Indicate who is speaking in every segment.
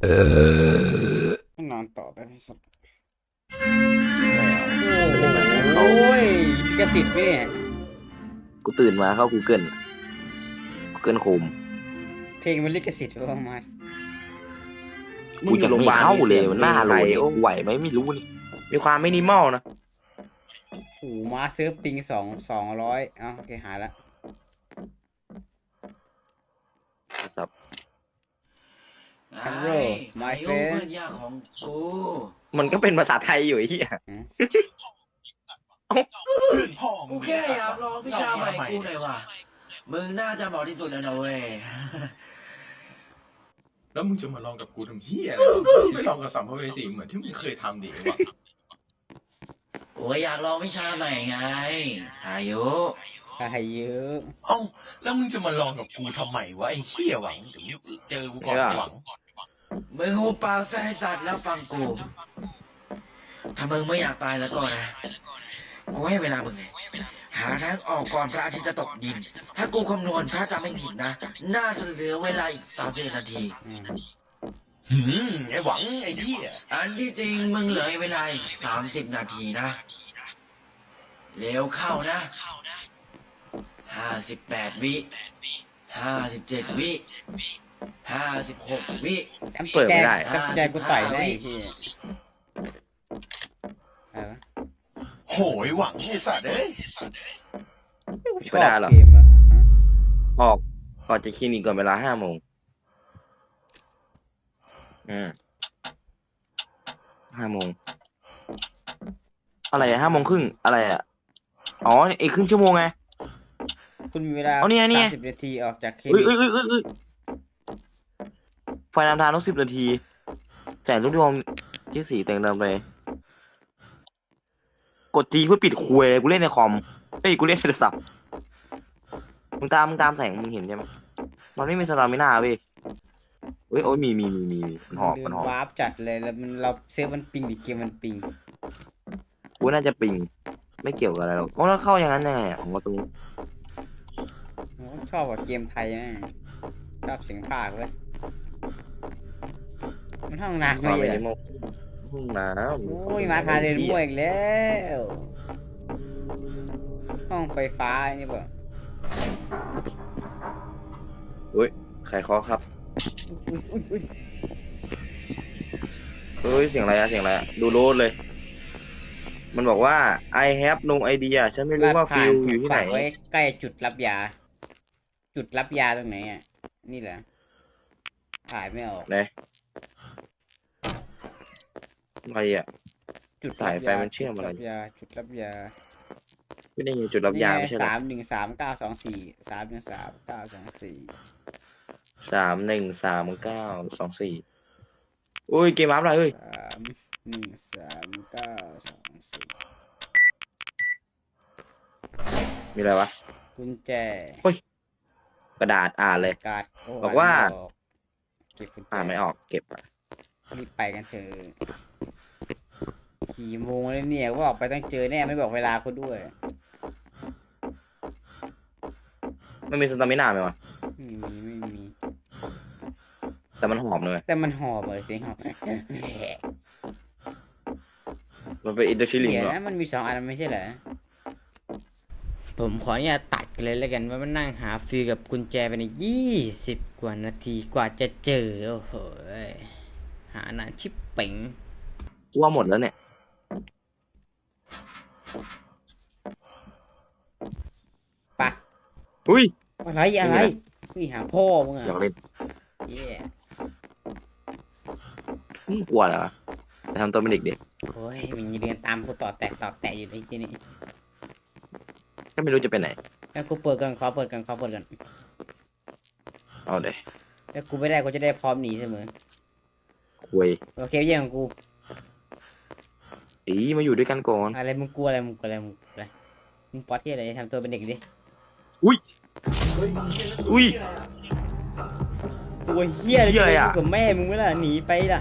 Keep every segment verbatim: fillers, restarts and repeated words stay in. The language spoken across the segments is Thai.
Speaker 1: ให้นอนต่อได้ไหมสัก
Speaker 2: ตื่นมา
Speaker 1: โอ้
Speaker 2: เข้า
Speaker 1: ยลิขสิทธิ์ไหมเนี่ย
Speaker 2: กูตื่นมาเข้า Google Google Chrome
Speaker 1: เพลงมันลิขสิทธิ์ประมาณ
Speaker 2: กูจะไม่เข้าเลยมันหน้าโหลด
Speaker 3: โอ้
Speaker 2: ไหวไหมไม่รู้นี่
Speaker 3: มีความมินิมอลนะ
Speaker 1: โอ้มาเซิร์ฟปิงสองสองร้อยอ้าวโอเคหายละ
Speaker 2: ครับ
Speaker 1: Hello my
Speaker 4: ไอ้
Speaker 1: friend
Speaker 4: เพื่อนยากของกู
Speaker 3: มันก็เป็นภาษาไทยอยู่ไอ้เหี้ย
Speaker 4: กูแค่อยากลองวิชาใหม่กูหน่อยว่ะมึงน่าจะเหมาะที่สุดแล้วนะเว้ย
Speaker 5: แล้วมึงจะมาลองกับกูทำเฮียอะไรมึงไม่ลองกับสัมภเวสีเหมือนที่มึงเคยทำดิวะ
Speaker 4: กูก็อยากลองวิชาใหม่ไงอายุ
Speaker 1: ได้เยอะ
Speaker 5: เอ้าแล้วมึงจะมาลองกับกูทำไมวะไอ้เฮียหวังเดี๋ยวเจอกูก่อนหวัง
Speaker 4: มึงหูปากใส่สัตว์แล้วฟังกูถ้ามึงไม่อยากตายแล้วก็นะกูให้เวลามึงเลยหาทางออกก่อนพระอาทิตย์จะตกดิน ถ้ากูคำนวณถ้าจำไม่ผิดนะ น่าจะเหลือเวลาอีกสามสิบนาที
Speaker 1: อืม
Speaker 5: หืมไอ้หวังไอ้เฮีย
Speaker 4: อันที่จริงมึงเหลือเวลาอีกสามสิบนาทีนะเร็วเข้านะห้าสิบแปดวิห้าสิบเจ็ดวิห้าสิบหกวิ
Speaker 1: จำสแกนจำสแกนกูต่อยได้ไอ้ที่อะไรวะ
Speaker 5: โหยหวังไอ้สัตว์เอ้ย
Speaker 1: กูชอบเกมอ่ะ
Speaker 3: ออกออกจากคลินิกก่อนเวลาห้าโมงอืมห้าโมงอะไรอะห้าโมงครึ่งอะไรอะอ๋ออีกครึ่งชั่วโมงไง
Speaker 1: คุณมีเวลา
Speaker 3: เอาเนี่ยเนี่
Speaker 1: สาย มสิบนาทีออกจากคลิ
Speaker 3: เอ้ย
Speaker 1: นิก
Speaker 3: เอ้ยเอ้ยเอ้ยเอ้ยไฟนำทางต้องสิบนาทีแต่รูปดวงที่สีแต่งเดิมเลย กดจีเพื่อปิดคุยเลยกูเล่นในคอมเฮ้ยกูเล่นในโทรศัพท์มึงตามมึงตามแสงมึงเห็นใช่ไหมมันไม่มีสตามิน่าเว้ยเฮ้ยโอ้ยมีมีมีมีมีมันหอบ
Speaker 1: เดิ
Speaker 3: มัน
Speaker 1: น
Speaker 3: หอบ
Speaker 1: วาร์ปจัดเลยแล้วมันเราเซิร์ฟมันปิงดิเกมมันปิง
Speaker 3: กูน่าจะปิงไม่เกี่ยวกับอะไรหรอกโอ้แล้วเข้าอย่างนั้นยังไงอ่ะของประตู
Speaker 1: ผมชอบกับเกมไทยนะชอบเสียงภาคเลยมันห้องน้ำ
Speaker 3: มา
Speaker 1: ไม่
Speaker 3: ไม่
Speaker 1: เย
Speaker 3: ได้
Speaker 1: อะ
Speaker 3: มองห้องน้ำ
Speaker 1: โอ้ยมาคาเดินมั่วอีกแล้วห้องไฟฟ้านี่เปล่า
Speaker 3: เฮ้ยใครเคาะครับ
Speaker 1: อุ้ยอุ้ยอุ้ย
Speaker 3: เฮ้ยเสียงอะไรอะเสียงอะไรอะดูโลดเลย มันบอกว่า I have no idea ฉันไม่รู้
Speaker 1: ลาด
Speaker 3: ว่า
Speaker 1: ผ่า
Speaker 3: ฟิ
Speaker 1: น
Speaker 3: ล
Speaker 1: ถู
Speaker 3: อยู่
Speaker 1: ก
Speaker 3: ที่ไหน
Speaker 1: ฝังไว้ใกล้จุดรับยา จุดรับยาตรงไหนอ่ะนี่แหละถ่ายไม่ออก
Speaker 3: ไหนอะไรอ่ะ
Speaker 1: จุด
Speaker 3: สายไฟมันเชื่อมอะไร
Speaker 1: จุดรับยาจุดรับยา
Speaker 3: ไม่ได้ยินจุดรับยาไม่ใช่เหร
Speaker 1: สา
Speaker 3: อ
Speaker 1: มหนึ่งสามเก้าสองสี่สามหนึ่งสามเก้าสองสี่
Speaker 3: สามหนึ่งสามเก้าสองสี่อุ้ยเกมอัพอะไรเอ้ย
Speaker 1: สามหนึ่งสามเก้าสองสี่
Speaker 3: มีอะไรวะ
Speaker 1: กุญแจ
Speaker 3: กระดาษอ่านเลย
Speaker 1: การ์ดโ
Speaker 3: บอกว่า
Speaker 1: นไม่ออกเก็บกุญแจ
Speaker 3: อ่านไม่ออกเก็บอะ
Speaker 1: รีบไปกันเถอะกี่โมงแล้วเนี่ยว่าออกไปต้องเจอแน่ไม่บอกเวลาคุณด้วย
Speaker 3: มันมีสตามินาไหมวะ
Speaker 1: ไม่มีไม่มี
Speaker 3: แต่มันหอมเลย
Speaker 1: แต่มันหอบเลยเสียงหอบ
Speaker 3: มันเป็นอินเตอร์ชิลิง
Speaker 1: เดี๋ยว
Speaker 3: เหรอ
Speaker 1: นะมันมีสองอันไม่ใช่เหรอผมขออนุญาตตัดกันเลยแล้วกันว่ามันนั่งหาฟิลกับกุญแจไปในยี่สิบกว่านาทีกว่าจะเจอโอ้โหหานานชิบเป๋ง
Speaker 3: กูว่าหมดแล้วเนี่ย
Speaker 1: ปะ
Speaker 3: อุ้ย
Speaker 1: อะไรอะไรนี่หาพ่อมึงอ่ะ
Speaker 3: อยากเล่น
Speaker 1: เย้
Speaker 3: มึงกลัวเหรอไปทำตัวเป็นเด็กเด็ก
Speaker 1: โอ้ยมันยังเดินตามกูต่อแตกต่อแตกอยู่ในที่นี่
Speaker 3: ก็ไม่รู้จะไปไหน
Speaker 1: แล้วกูเปิดกันขอเปิดกันขอเปิดกัน
Speaker 3: เอาเลย
Speaker 1: แล้วกูไม่ได้กูจะได้พร้อมหนีเสมอ
Speaker 3: คุย
Speaker 1: โอเคเยี่ยของกู
Speaker 3: อีมาอยู่ด้วยกันก่อน
Speaker 1: อะไรมึงกลัวอะไรมึงกลัวอะไรมึงกลัวอะไรมึงป๊อตที่อะไรทำตัวเป็นเด็กดิ
Speaker 3: อุ้ย
Speaker 1: ตัวเฮี้ย
Speaker 3: เหี้ยอะไรอะ
Speaker 1: กูกับแม่มึงไม่ล่ะหนีไปล่ะ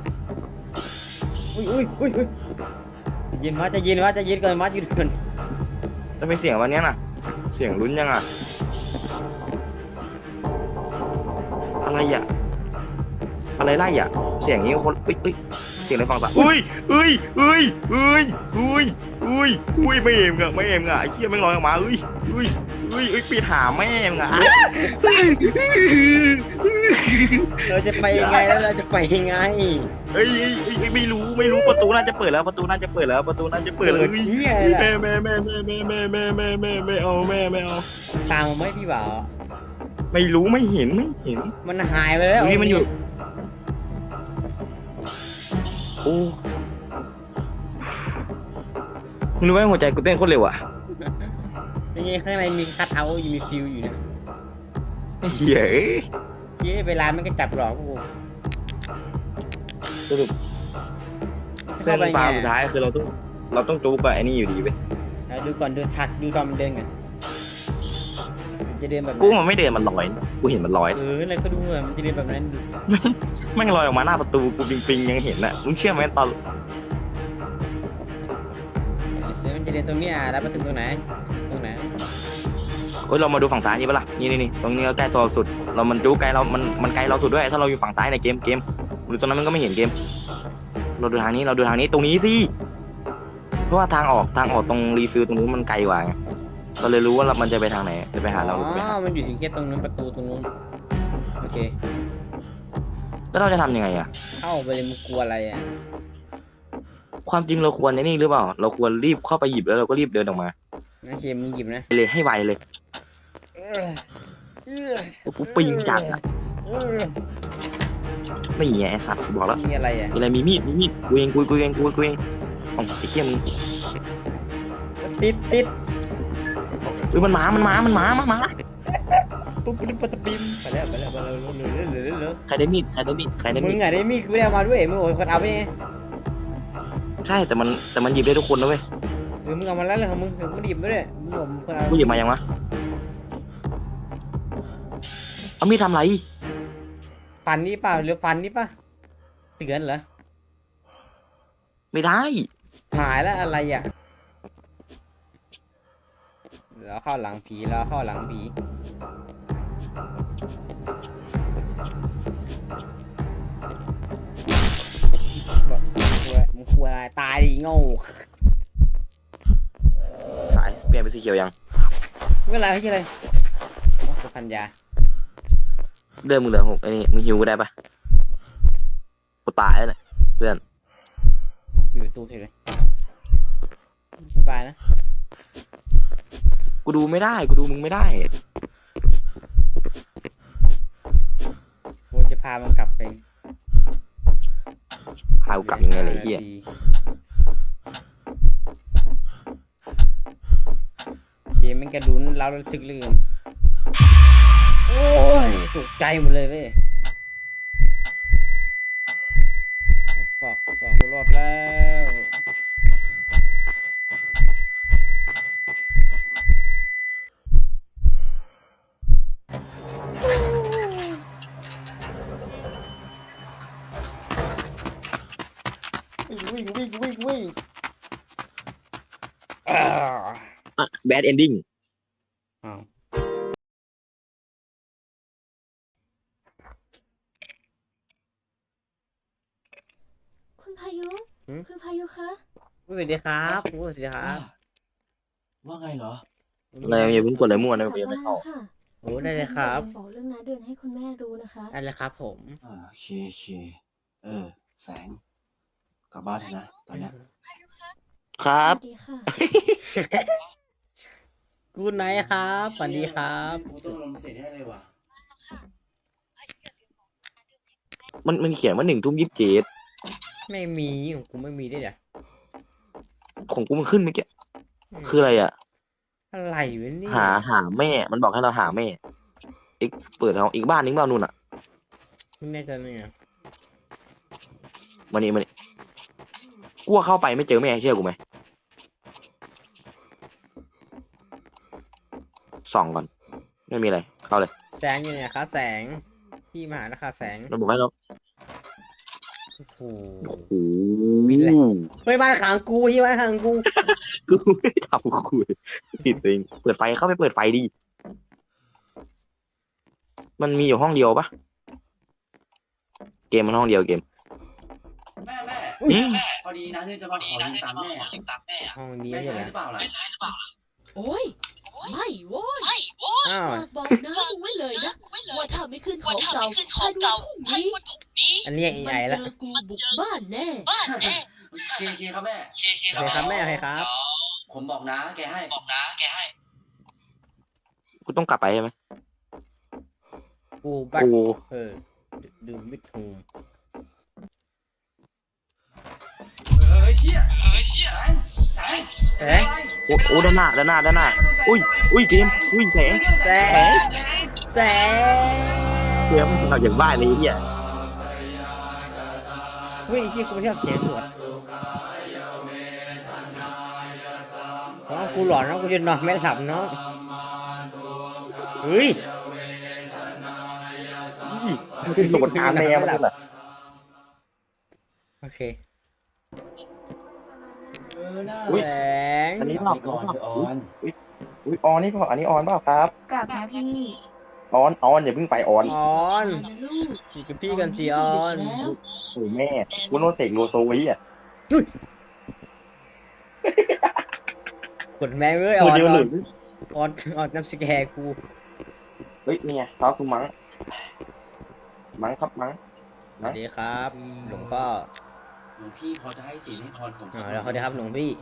Speaker 1: อุ้ยอุ้ยอุ้ยอุ้ยเย็นวะจะเย็นวะจะเย็นก่อนมัดหยุดก่อน
Speaker 3: แล้วมีเสียงวันเนี้ยน่ะ เสียงลุ้นยังอ่ะ อะไรอ่ะ ไปอะไรไล่อ่ะเสียงนี้คนเอ้ยเอ้ยเสียงอะไรฟังปะเอ้ยเอ้ยเอ้ยเอ้ยเอ้ยเอ้ยเอ้ยไม่เอ็มอะไม่เอ็มอะไอ้เหี้ยแม่งลอยออกมาเอ้ยเอ้ยเอ้ยเอ้ยปีหาแม่งอะ
Speaker 1: เราจะไปยังไงแล้วเราจะไปยังไง
Speaker 3: เอ้ยเอ้ยเอ้ยเอ้ยไม่รู้ไม่รู้ประตูน่าจะเปิดแล้วประตูน่าจะเปิดแล้วประตูน่าจะเปิดแล้ว
Speaker 1: เปิดเหี้ยอะไรล่ะ
Speaker 3: แม่แม่แม่แม่แม่แม่แม่แม่แม่ไม่เอาแม่ไม่เอา
Speaker 1: ตามมาไหมพี่บ่าว
Speaker 3: ไม่รู้ไม่เห็นไม่เห็น
Speaker 1: มันหายไปแล้ว
Speaker 3: นี่มันอยู่โอ้มึงรู้ไหมหัวใจกูเต้นโคตรเร็วอ่ะ
Speaker 1: ยังไงข้างในมีคัทเอาท์อยู่มีฟิวอยู่นะ
Speaker 3: ไอ้เหี้ยเอ้ย
Speaker 1: เย้เวลามันก็จับหลอกกู
Speaker 3: สรุป
Speaker 1: จะ
Speaker 3: เส้
Speaker 1: เข้าน ไป
Speaker 3: ป
Speaker 1: ไง
Speaker 3: ลาสุดท้ายคือเราต้องเราต้องจูบกับไอ้นี่อยู่ดีเว้ย
Speaker 1: เอาดูก่อนดูทักดูตอนมันเดินกันมันจะเดินแบบ
Speaker 3: กู
Speaker 1: นั้น
Speaker 3: มันไม่เดินมันลอยกูเห็นมันลอย
Speaker 1: เออแล้วก็ดูอะมันจะเดินแบบนั้นดู
Speaker 3: แม่งลอยออกมาหน้าประตูกูปิงปิงยังเห็นอ่ะมึงเชื่อไหมตอน
Speaker 1: เสือมันจะเดินตรงเนี้ยแล้วมาถึงตรงไหนตรงไหน
Speaker 3: เฮ้ยเรามาดูฝั่งซ้ายนี่ปะล่ะนี่นี่นี่ตรงนี้ก็ใกล้ตัวสุด เรามันจู้ไกลเรา มันมันไกลเราสุดด้วย ถ้าเราอยู่ฝั่งซ้ายในเกมเกมหรือตรงนั้นมันก็ไม่เห็นเกม เราดูทางนี้เราดูทางนี้ตรงนี้สิเพราะว่าทางออกทางออกตรงรีฟิลตรงนู้นมันไกลกว่าไงเราเลยรู้ว่าเรามันจะไปทางไหนจะไปหาเราหรือไป
Speaker 1: อ๋
Speaker 3: หา
Speaker 1: อมันอยู่ถึงแค่ตรงนู้นประตูตรงนู้นโอเค
Speaker 3: แล้วเราจะทำยังไงอะ
Speaker 1: เข้าไปเลยมึงกลัวอะไรอ่ะ
Speaker 3: ความจริงเราควรในนี่หรือเปล่า เราควรรีบเข้าไปหยิบแล้วเราก็รีบเดินออกมา
Speaker 1: งั้นเคมึงหยิบนะ
Speaker 3: เลยให้ไวเลยแล้วกูปีนจัดอะไม่เงี้ยไอ้สัตว์กูบอกแล้ว
Speaker 1: มีอะไรอ่ะ
Speaker 3: มีอะไรมีมีดมีมีดกูเองกูกูเองกูกูเองอ๋อไอ้เหี้ยมึง
Speaker 1: ติดติด
Speaker 3: เฮ้ยมันมามันมามันมามามา
Speaker 1: ปุ๊บปุ๊บปุ๊บปิ๊มไปแล้วไปแล้วไปแล้วเหลือเหลือเหลือเหลือ
Speaker 3: ใครได้มีดใครได้มีดใครได้
Speaker 1: มึ
Speaker 3: มี
Speaker 1: ง
Speaker 3: ด
Speaker 1: อ่ะได้มีดกูไม่ได้เอามาด้วยมึงโอ้ยคนเอาไปไง
Speaker 3: ใช่แต่มันแต่มันหยิบได้ทุกคนนะเว้ย
Speaker 1: หรือมึงเอามาแล้วเลยของมึงมึงไม่หยิบไม่ได้มึงบอกมึงคนเอา
Speaker 3: กูหยิบมายังวะเอามีดทำไร
Speaker 1: ฟันนี่เปล่าหรือฟันนี่ป่ะเตือนเหรอ
Speaker 3: ไม่ได้
Speaker 1: หายแล้วอะไรอ่ะแล้วเข้าหลังผีแล้วเข้าหลังผีบอกมึงกลัวอะไรตายดิโง่
Speaker 3: สายเปลี่ยนเป็นสีเขียวยัง
Speaker 1: เวลาที่อะไรโอ้พันยา
Speaker 3: เดินมึงเหลือหกไอ้นี่มึงหิวกูได้ปะกูตายแล้วเนี่ยเพื่อน
Speaker 1: อยู่ประตูเฉยเลยสบายนะ
Speaker 3: กูดูไม่ได้กูดูมึงไม่ได้
Speaker 1: กูจะพามันกลับไป
Speaker 3: พากูกลับยังไงเลยไอ้เฮีย
Speaker 1: เกมมันกระดุนเราระทึกลืมโอ้ยตกใจหมดเลยเว้ยฝากฝากกูรอดแล้ววิ่งวิ่งวิ่งวิ่งวิ่งอ่า
Speaker 3: แบดเอนดิ้ง
Speaker 1: อ้าว
Speaker 6: คุณพายุ คุณพายุคะ
Speaker 1: สวัสดีครับสวัสดีครับ
Speaker 5: ว่าไงเหรอ
Speaker 3: อะไรอย่าเพิ่งกดอะไรมั่วนะ
Speaker 6: กลับ
Speaker 3: เดี๋ยวไม่
Speaker 6: บ้าน
Speaker 3: เข้า
Speaker 6: แล้วค่ะ
Speaker 1: โอ้ได้เลยครับ
Speaker 6: บอกเรื่องน้าเดือนให้คุณแม่รู้นะคะ
Speaker 1: ได้เลยครับผม
Speaker 5: อ่าโอเคโอเคเออ แสง กลับบ้านเถอะนะ ตอนเนี้ย
Speaker 3: ครับ
Speaker 6: สวัสดีค่ะ
Speaker 1: กูไนท์ครับสวัสดีครับ
Speaker 5: กูต้องลงเสร็จให้เลยว่ะ
Speaker 3: มันมันเขียนว่าหนึ่งทุ่มยี่สิบเจ็ด
Speaker 1: ไม่มีของกูไม่มีด้วยเหรอ
Speaker 3: ของกูมันขึ้นเมื่อกี้คืออะไรอ่ะ
Speaker 1: อะไรวะเนี่ย
Speaker 3: หาหาแม่ มันบอกให้เราหาแม่อีกเปิดเอาอีกบ้านนึงเปล่านู่นอ่ะ
Speaker 1: ไม่แน่ใจเนี่ย
Speaker 3: มานี่มานี่กูว่าเข้าไปไม่เจอแม่เชื่อกูไหมส่องก่อนไม่มีอะไรเข้าเลย
Speaker 1: แสงอยู่เนี่ยครับแสงพี่มาหาราคาแสง
Speaker 3: เราบอกให้เรา
Speaker 1: โอ้โห
Speaker 3: โอ้โห
Speaker 1: บินเลย เฮ้ยบ้านขังกูที่บ้านขังกู
Speaker 3: กูไม่ทำกูผิดเองเปิดไฟเข้าไปเปิดไฟดีมันมีอยู่ห้องเดียวปะเกมมันห้องเดียวเกม
Speaker 7: แม่แม่
Speaker 3: อืม
Speaker 7: พอดีนะเนี่ยจะมาขอยืมตังค์แม่อะ
Speaker 1: ห้องนี้
Speaker 7: แม่
Speaker 1: ใช่
Speaker 7: จะ
Speaker 1: ไหม
Speaker 7: ให้หรือเปล่าล่ะ
Speaker 8: โอ้ย ไม่โว้ย
Speaker 1: อ้าว
Speaker 8: ฝากบอกนะมึงไว้เลยนะ ว่าถ้าไม่ขึ้นของเก่าภายในวันพรุ่งนี้
Speaker 1: อันนี้
Speaker 8: มัน
Speaker 1: ไอ้
Speaker 8: เจ
Speaker 1: ละ
Speaker 8: อกูบุกบ้านแน่
Speaker 7: โอเคโอเคครับแม่
Speaker 1: โอเคครับแม่โอเคครับ
Speaker 7: ผมบอกนะแกให้
Speaker 3: กูต้องกลับไปใช่ไหม
Speaker 1: กูบัก
Speaker 3: กู
Speaker 1: เออดูมิดหู
Speaker 7: เออเชี่ยเออเชี่ยแสงแสง
Speaker 1: เอ๊ะ
Speaker 3: โอ้โอ้ด้านหน้าด้านหน้าด้านหน้าอุ้ยอุ้ยเกมอุ้ยแสง
Speaker 1: แสงแสง
Speaker 3: เกมเราอย่างบ้าเลยเนี่ย
Speaker 1: เฮ้ยที่กูไม่ชอบเสียงสวดอ๋อกูหลอนนะกูจะนอนไม่หลับเนาะเฮ้ย
Speaker 3: โหลดงานแน่มันเลย
Speaker 1: โอเค
Speaker 7: เออน่า
Speaker 3: อุ๊ย
Speaker 1: แสง
Speaker 3: อันนี้
Speaker 7: กลับไปก่อนเถอะออน
Speaker 3: อุ้ยออนนี่เปล่าอันนี้ออนเปล่าครับ
Speaker 9: กลับนะพี่
Speaker 3: ออนออนอย่าเพิ่งไปออน
Speaker 1: ออน
Speaker 8: นะลูก
Speaker 1: อยู่กับพี่กันสิออน
Speaker 8: แล้ว
Speaker 3: โอ้แม่กูโนเสกโลโซไว้อ่ะ
Speaker 1: กดแม่งเลยอ
Speaker 3: ตัว
Speaker 1: อน
Speaker 3: เดียว
Speaker 1: อ
Speaker 3: ห
Speaker 1: อ
Speaker 3: ลุ
Speaker 1: น
Speaker 3: ด
Speaker 1: ออนออนน้ำสแกร์กู
Speaker 3: เฮ้ยนี่ไงเท้าคือมั้งมั้งครับมั้ง
Speaker 1: สวัสดีครับหลวงพ่อ
Speaker 7: หลวงพี่พอจะให้ศีลให้พรผม
Speaker 1: อ๋
Speaker 7: สั
Speaker 1: อก แล้วเขาได้ครับหลวงพี่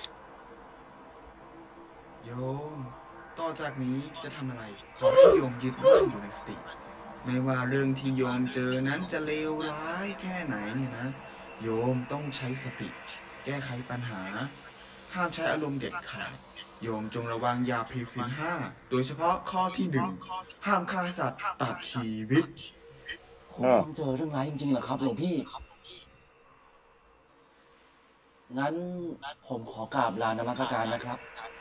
Speaker 10: โยม ต่อจากนี้จะทำอะไร ขอให้โยมยึดมั่นอยู่ในสติ ไม่ว่าเรื่องที่โยมเจอนั้นจะเลวร้ายแค่ไหนเนี่ยนะ โยมต้องใช้สติ แก้ไขปัญหา ห้ามใช้อารมณ์เด็ดขาด โยมจงระวังอย่าผิดศีลห้า โดยเฉพาะข้อที่หนึ่ง ห้ามฆ่าสัตว์ตัดชีวิต
Speaker 7: ผมต้องเจอเรื่องร้ายจริงๆเหรอครับหลวงพี่ งั้นผมขอกราบลานมัสการนะครับ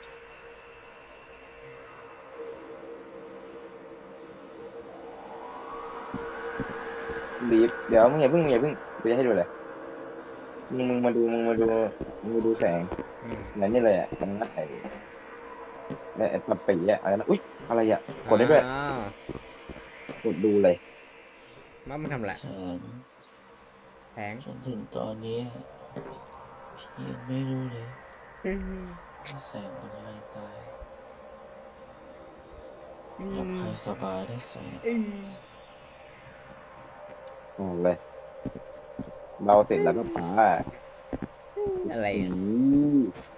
Speaker 3: ดีเดี๋ยวมึงอย่าเพิ่งมึงอย่าเพิ่งกูจะให้ดูเลยมึงมึงมาดูมึงมาดูมึงมาดูแสง
Speaker 1: อืม
Speaker 3: นั่นนี่เลยอ่ะมันนัดไอ้เนี่ยไอ้ปับปีอ่ะอะไรนะอุ้ยอะไรอ่ะกดได้ด้วย
Speaker 1: อ้าว
Speaker 3: กดดูเลย
Speaker 1: มันมันทำอะไร
Speaker 7: แสง
Speaker 1: แสง
Speaker 7: จนถึงตอนนี้พี่ยังไม่รู้เลยว่าแสงเป็นอะไรตายหลับให้สบายได้แสง
Speaker 3: อืมเลยเราเสร็จแล้วก็ป๋า
Speaker 1: อะไร
Speaker 3: อื
Speaker 1: อ่ะ
Speaker 3: ม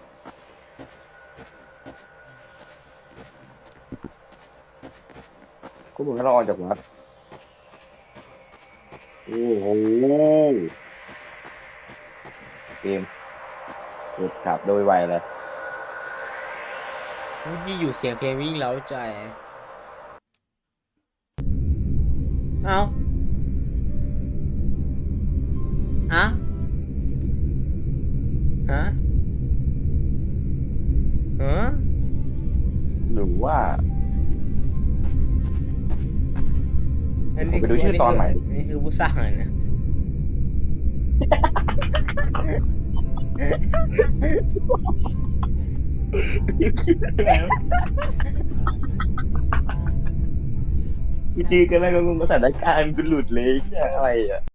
Speaker 3: ก็เหมือนเราออกจากวัดโอ้โหเกมกดขับโดยไวเลย
Speaker 1: นี่อยู่เสียงเพลงวิ่งเล้าใจ เอาอะฮะฮะ
Speaker 3: หรือว่า
Speaker 1: อันนี้
Speaker 3: ผมไปดูชื่อตอนใหม่
Speaker 1: นี่คือผู้สร้างเลยนะ
Speaker 3: กูจีกันแล้วก็มึงก็สถานการณ์กูหลุดเลยเนี่ยอะไรอ่ะ